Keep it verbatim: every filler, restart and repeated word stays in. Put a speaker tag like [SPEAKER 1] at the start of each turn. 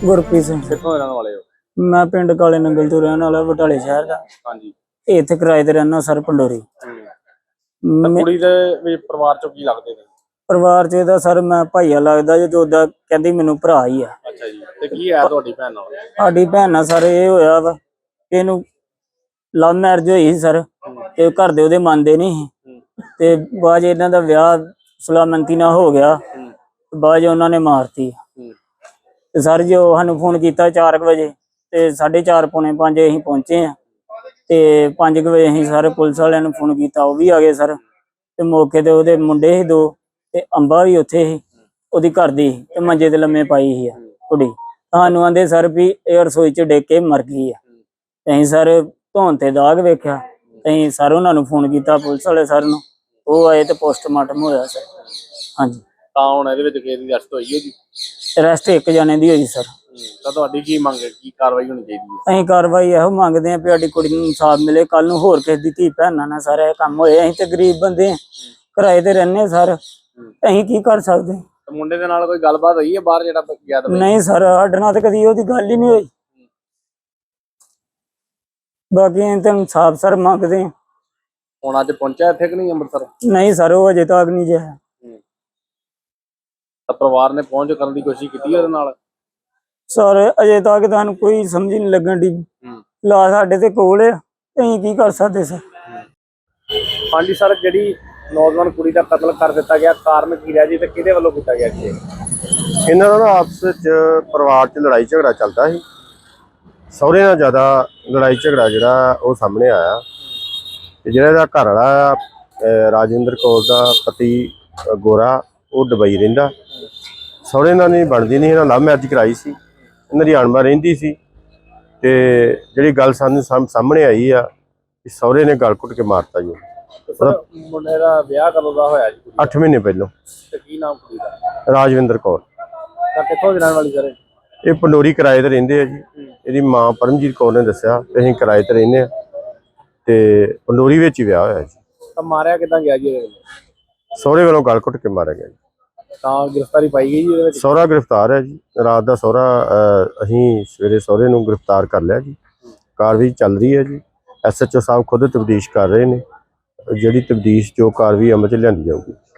[SPEAKER 1] ਗੁਰਪ੍ਰੀਤ ਸਿੰਘ।
[SPEAKER 2] ਕਿੱਥੋਂ ਦੇ ਰਹਿਣ ਵਾਲੇ ਹੋ?
[SPEAKER 1] ਮੈਂ ਪਿੰਡ ਕਾਲੇ ਨੰਗਲ ਤੋਂ ਰਹਿਣ ਵਾਲਾ, ਬਟਾਲੇ ਸ਼ਹਿਰ ਦਾ।
[SPEAKER 2] ਹਾਂਜੀ।
[SPEAKER 1] ਇੱਥੇ ਕਿਰਾਏ ਤੇ ਰਹਿਣਾ ਸਰ, ਪੰਡੋਰੀ।
[SPEAKER 2] ਤਾਂ ਕੁੜੀ ਦੇ ਵੀ ਪਰਿਵਾਰ ਚੋਂ ਕੀ ਲੱਗਦੇ ਨੇ?
[SPEAKER 1] ਪਰਿਵਾਰ ਚ ਇਹਦਾ ਸਰ ਮੈਂ ਭਾਈਆ ਲੱਗਦਾ ਜੇ, ਜੋ ਉਹਦਾ ਕਹਿੰਦੀ ਮੈਨੂੰ ਭਰਾ ਹੀ ਆ।
[SPEAKER 2] ਅੱਛਾ ਜੀ। ਤੇ ਕੀ ਹੈ ਤੁਹਾਡੀ ਭੈਣ ਨਾਲ?
[SPEAKER 1] ਸਾਡੀ ਭੈਣ ਨਾਲ ਸਰ ਇਹ ਹੋਇਆ ਵਾ, ਇਹਨੂੰ ਲਵ ਮੈਰਿਜ ਹੋਈ ਸੀ ਸਰ, ਤੇ ਘਰ ਦੇ ਉਹਦੇ ਮੰਨਦੇ ਨਹੀਂ ਸੀ, ਤੇ ਬਾਅਦ ਇਹਨਾਂ ਦਾ ਵਿਆਹ ਸੁਲਾਮੰਤੀ ਨਾਲ ਹੋ ਗਿਆ, ਬਾਅਦ ਉਹਨਾਂ ਨੇ ਮਾਰਤੀ। ਤੇ ਸਰ ਜੀ ਉਹ ਸਾਨੂੰ ਫੋਨ ਕੀਤਾ ਚਾਰ ਕੁ ਵਜੇ, ਤੇ ਸਾਢੇ ਚਾਰ ਪੌਣੇ ਪੰਜ ਅਸੀਂ ਪਹੁੰਚੇ ਆ, ਤੇ ਪੰਜ ਕੁ ਵਜੇ ਅਸੀਂ ਸਰ ਪੁਲਿਸ ਵਾਲਿਆਂ ਨੂੰ ਫੋਨ ਕੀਤਾ, ਉਹ ਵੀ ਆ ਗਏ ਸਰ। ਤੇ ਮੌਕੇ ਤੇ ਉਹਦੇ ਮੁੰਡੇ ਸੀ ਦੋ, ਤੇ ਅੰਬਾ ਵੀ ਉੱਥੇ ਸੀ, ਉਹਦੀ ਘਰ ਦੀ, ਤੇ ਮੰਜੇ ਤੇ ਲੰਮੇ ਪਾਈ ਸੀ ਕੁੜੀ। ਸਾਨੂੰ ਆਂਦੇ ਸਰ ਵੀ ਇਹ ਰਸੋਈ ਚ ਡਿੱਗ ਕੇ ਮਰ ਗਈ ਆ। ਅਸੀਂ ਸਰ ਧੌਣ ਤੇ ਦਾਗ ਵੇਖਿਆ, ਅਸੀਂ ਸਰ ਉਹਨਾਂ ਨੂੰ ਫੋਨ ਕੀਤਾ ਪੁਲਿਸ ਵਾਲੇ ਸਰ ਨੂੰ, ਉਹ ਆਏ ਤੇ ਪੋਸਟਮਾਰਟਮ ਹੋਇਆ ਸਰ। ਹਾਂਜੀ।
[SPEAKER 2] ਤਾਂ ਹੁਣ ਇਹਦੇ ਵਿੱਚ ਕਿਸੇ ਦੀ ਅਰੈਸਟ ਹੋਈ ਹੈ ਜੀ?
[SPEAKER 1] ਅਰੈਸਟ ਇੱਕ ਜਣੇ ਦੀ ਹੋਈ ਸਰ।
[SPEAKER 2] ਤਾਂ ਤੁਹਾਡੀ ਕੀ ਮੰਗ ਹੈ, ਕੀ ਕਾਰਵਾਈ ਹੋਣੀ ਚਾਹੀਦੀ ਹੈ?
[SPEAKER 1] ਅਸੀਂ ਕਾਰਵਾਈ ਇਹੋ ਮੰਗਦੇ ਆਂ ਵੀ ਸਾਡੀ ਕੁੜੀ ਨੂੰ ਇਨਸਾਫ ਮਿਲੇ, ਕੱਲ ਨੂੰ ਹੋਰ ਕਿਸੇ ਦੀ ਧੀ ਭੈਣਾਂ ਨਾਲ ਸਾਰਾ ਇਹ ਕੰਮ ਹੋਏ। ਅਸੀਂ ਤੇ ਗਰੀਬ ਬੰਦੇ ਆਂ, ਕਿਰਾਏ ਤੇ ਰਹਿੰਦੇ ਸਰ, ਅਸੀਂ ਕੀ ਕਰ ਸਕਦੇ?
[SPEAKER 2] ਮੁੰਡੇ ਦੇ ਨਾਲ ਕੋਈ ਗੱਲਬਾਤ ਹੋਈ ਹੈ ਬਾਹਰ ਜਿਹੜਾ ਗਿਆ?
[SPEAKER 1] ਨਹੀਂ ਸਰ, ਸਾਡੇ ਨਾਲ ਤਾਂ ਕਦੀ ਉਹਦੀ ਗੱਲ ਹੀ ਨਹੀਂ ਹੋਈ। ਬਾਕੀ ਅਸੀਂ ਤਾਂ ਇਨਸਾਫ ਸਰ ਮੰਗਦੇ ਆਂ।
[SPEAKER 2] ਹੁਣ ਅੱਜ ਪਹੁੰਚਿਆ ਇੱਥੇ ਕਿ ਨਹੀਂ ਅੰਮ੍ਰਿਤਸਰ?
[SPEAKER 1] ਨਹੀਂ ਸਰ, ਉਹ ਅਜੇ ਤੱਕ ਨਹੀਂ ਜਿਆ।
[SPEAKER 2] ਤਾਂ ਪਰਿਵਾਰ ਨੇ ਪਹੁੰਚ ਕਰਨ ਦੀ ਕੋਸ਼ਿਸ਼ ਕੀਤੀ ਉਹਦੇ ਨਾਲ?
[SPEAKER 1] ਸਰ ਅਜੇ ਤੱਕ ਤੁਹਾਨੂੰ ਕੋਈ ਸਮਝ ਨਹੀਂ ਲੱਗਣ ਦੀ, ਲਾ ਸਾਡੇ ਤੇ ਕੋਲ ਆ, ਅਸੀਂ ਕੀ ਕਰ ਸਕਦੇ ਸਰ?
[SPEAKER 2] ਹਾਂਜੀ ਸਰ, ਜਿਹੜੀ ਨੌਜਵਾਨ ਕੁੜੀ ਦਾ ਕਤਲ ਕਰ ਦਿੱਤਾ ਗਿਆ, ਕਾਰਨ ਕੀ ਰਿਹਾ ਜੀ, ਤੇ ਕਿਹਦੇ ਵੱਲੋਂ ਕੀਤਾ ਗਿਆ ਜੀ?
[SPEAKER 3] ਇਹਨਾਂ ਦਾ ਆਪਸ ਵਿੱਚ ਪਰਿਵਾਰ 'ਚ ਲੜਾਈ ਝਗੜਾ ਚੱਲਦਾ ਸੀ। ਸਹੁਰੇ ਨਾਲ ਜ਼ਿਆਦਾ ਲੜਾਈ ਝਗੜਾ ਜਿਹੜਾ ਉਹ ਸਾਹਮਣੇ ਆਇਆ, ਤੇ ਜਿਹੜਾ ਇਹਦਾ ਘਰ ਵਾਲਾ ਰਾਜਿੰਦਰ ਕੌਰ ਦਾ ਪਤੀ ਗੋਰਾ, ਉਹ ਦੁਬਈ ਰਹਿੰਦਾ। ਸਹੁਰੇ ਨਾਲ ਨਹੀਂ ਬਣਦੀ ਨਹੀਂ, ਇਹਨਾਂ ਲਵ ਮੈਰਿਜ ਕਰਾਈ ਸੀ, ਇਹਨਾਂ ਦੀ ਅਣਬਣ ਰਹਿੰਦੀ ਸੀ। ਤੇ ਜਿਹੜੀ ਗੱਲ ਸਾਨੂੰ ਸਾਹਮਣੇ ਆਈ ਆ ਕਿ ਸਹੁਰੇ ਨੇ ਗਲ ਘੁੱਟ ਕੇ ਮਾਰਤਾ ਜੀ।
[SPEAKER 2] ਮੁੰਡੇ ਦਾ ਵਿਆਹ ਕਦੋਂ ਦਾ ਹੋਇਆ ਜੀ?
[SPEAKER 3] ਅੱਠ ਮਹੀਨੇ ਪਹਿਲਾਂ।
[SPEAKER 2] ਤੇ ਕੀ ਨਾਮ ਕੁੜੀ ਦਾ?
[SPEAKER 3] ਰਾਜਵਿੰਦਰ ਕੌਰ।
[SPEAKER 2] ਤਾਂ ਕਿੱਥੋਂ ਦੀ ਰਹਿਣ ਵਾਲੀ ਸਰ?
[SPEAKER 3] ਇਹ ਪੰਡੋਰੀ ਕਿਰਾਏ ਤੇ ਰਹਿੰਦੇ ਆ ਜੀ। ਇਹਦੀ ਮਾਂ ਪਰਮਜੀਤ ਕੌਰ ਨੇ ਦੱਸਿਆ ਕਿ ਅਸੀਂ ਕਿਰਾਏ ਤੇ ਰਹਿੰਦੇ ਆ, ਤੇ ਪੰਡੋਰੀ ਵਿੱਚ ਹੀ ਵਿਆਹ ਹੋਇਆ ਜੀ।
[SPEAKER 2] ਤਾਂ ਮਾਰਿਆ ਕਿੱਦਾਂ ਗਿਆ ਜੀ?
[SPEAKER 3] ਸਹੁਰੇ ਵੱਲੋਂ ਗਲ ਘੁੱਟ ਕੇ ਮਾਰਿਆ ਗਿਆ ਜੀ।
[SPEAKER 2] ਤਾਂ ਗ੍ਰਿਫਤਾਰੀ ਪਾਈ ਗਈ ਜੀ ਇਹਦੇ ਵਿੱਚ?
[SPEAKER 3] ਸਹੁਰਾ ਗ੍ਰਿਫਤਾਰ ਹੈ ਜੀ। ਰਾਤ ਦਾ ਸਹੁਰਾ ਅਸੀਂ ਸਵੇਰੇ ਸਹੁਰੇ ਨੂੰ ਗ੍ਰਿਫਤਾਰ ਕਰ ਲਿਆ ਜੀ। ਕਾਰਵਾਈ ਚੱਲ ਰਹੀ ਹੈ ਜੀ। ਐਸ ਐਚ ਓ ਸਾਹਿਬ ਖੁਦ ਤਬਦੀਸ਼ ਕਰ ਰਹੇ ਨੇ, ਜਿਹੜੀ ਤਬਦੀਸ਼ ਜੋ ਕਾਰਵਾਈ ਅਮਲ 'ਚ ਲਿਆਂਦੀ ਜਾਊਗੀ।